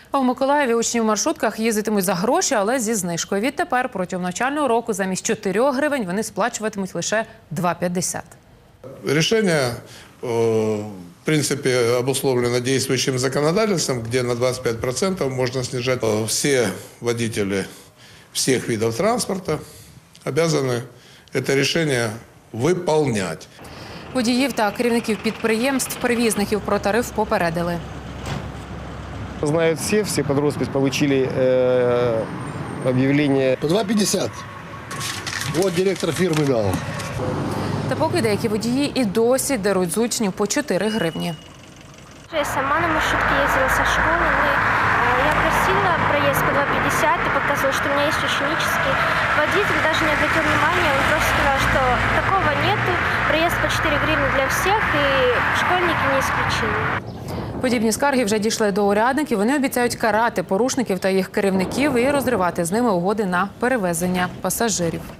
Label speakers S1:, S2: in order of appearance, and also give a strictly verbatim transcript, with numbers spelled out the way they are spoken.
S1: А в Миколаєві учні в маршрутках їздитимуть за гроші, але зі знижкою. Відтепер протягом навчального року замість чотирьох гривень вони сплачуватимуть лише два п'ятдесят.
S2: Решение, в принципе, обусловлено действующим законодательством, где на двадцать пять процентов можно снижать. Все водители всех видов транспорта обязаны это решение выполнять.
S1: Водіїв та керівників підприємств, перевізників про тариф попередили.
S3: Знают все, все под роспись получили э, объявление.
S4: По два пятьдесят. Вот директор фирмы дал.
S1: Та поки деякі водії і досі деруть з учнів по чотири гривні.
S5: Я сама на маршрутке ездила со школы. Мы, э, я просила проезд по два пятьдесят и показывала, что у меня есть ученический. Водитель даже не обратил внимания, он просто сказал, что такого нету. Проезд по чотири гривны для всех и школьники не исключение.
S1: Подібні скарги вже дійшли до урядників. Вони обіцяють карати порушників та їх керівників і розривати з ними угоди на перевезення пасажирів.